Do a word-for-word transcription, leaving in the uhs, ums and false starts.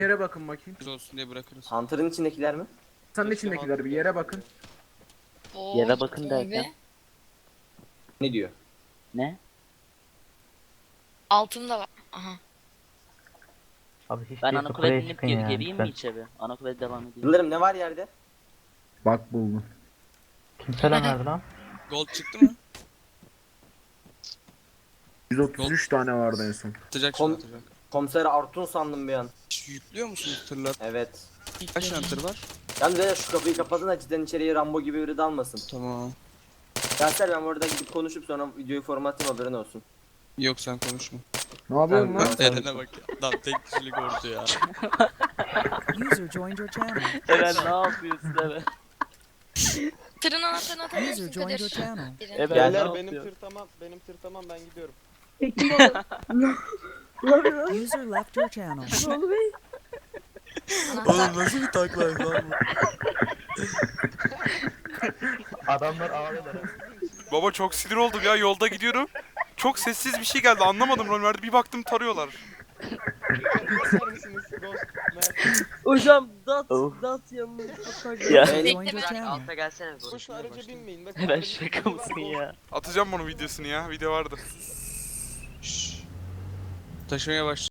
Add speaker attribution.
Speaker 1: Yere bakın bakayım.
Speaker 2: Biz olsun diye bırakırız.
Speaker 3: Hunter'ın içindekiler mi?
Speaker 1: Sanın içindekiler bir yere bakın.
Speaker 4: Oo,
Speaker 5: Yere bakın
Speaker 4: tövbe.
Speaker 5: derken.
Speaker 3: Ne diyor?
Speaker 5: Ne?
Speaker 4: Altında var. Aha.
Speaker 6: Abi hiç
Speaker 5: Ben
Speaker 6: değilse
Speaker 5: ana
Speaker 6: kuleye
Speaker 5: kuleye inip
Speaker 6: çıkın
Speaker 5: geri
Speaker 6: ya,
Speaker 5: geleyim mi
Speaker 6: lütfen.
Speaker 5: içeri? Ana kuleye devam edeyim.
Speaker 3: Yıldırım ne var yerde?
Speaker 1: Bak buldum.
Speaker 6: Kim selam verdi lan?
Speaker 2: Gold çıktı mı?
Speaker 1: yüz otuz üç tane vardı en son.
Speaker 2: Atacak
Speaker 3: Kom-
Speaker 2: şimdi atacak.
Speaker 3: Komiser Artun sandım bir an.
Speaker 2: Hiç yüklüyor musunuz tırlar?
Speaker 3: Evet.
Speaker 2: Kaç tane tır var?
Speaker 3: Yalnız beyler şu kapıyı kapatın da cidden içeriye Rambo gibi biri dalmasın.
Speaker 2: Tamam.
Speaker 3: Dersler ben orada gidip konuşup sonra videoyu formatlayayım haberin olsun.
Speaker 2: Yok sen konuşma.
Speaker 1: Ne yapıyorsun
Speaker 3: Tamam.
Speaker 1: lan?
Speaker 2: Eren'e bak ya. Adam tek kişilik ordu ya.
Speaker 7: User joined your channel.
Speaker 5: Eren ne yapıyorsun Eren?
Speaker 4: Tırın anahtarını
Speaker 7: User
Speaker 4: atabilirsin
Speaker 7: joined your
Speaker 4: Kadir.
Speaker 7: channel.
Speaker 4: Biri.
Speaker 5: Eren
Speaker 3: Gel.
Speaker 5: ne
Speaker 8: Beyler benim
Speaker 5: yapıyorsun?
Speaker 8: tır tamam, benim tır tamam ben gidiyorum.
Speaker 7: User left your channel.
Speaker 4: Anahtar.
Speaker 2: nasıl bir taklaydı lan bu?
Speaker 6: Adamlar ağlıyorlar.
Speaker 9: Baba çok sinir oldum ya, yolda gidiyorum. Çok sessiz bir şey geldi, anlamadım rol verdi. Bir baktım tarıyorlar.
Speaker 8: İster misiniz Ghost? Mert?
Speaker 10: Hocam dat
Speaker 5: Of.
Speaker 10: dat yanınızda tak.
Speaker 5: Ya.
Speaker 7: User
Speaker 3: Evet.
Speaker 7: joined your channel.
Speaker 10: Alta gelsene.
Speaker 8: Boşuna araca binmeyin. Bak,
Speaker 5: Eren
Speaker 8: aracın
Speaker 5: şaka
Speaker 8: içinde var,
Speaker 5: mısın
Speaker 8: Ghost.
Speaker 5: ya?
Speaker 9: Atacağım bunun videosunu ya, video vardı.
Speaker 2: Şşş. Taşımaya baş.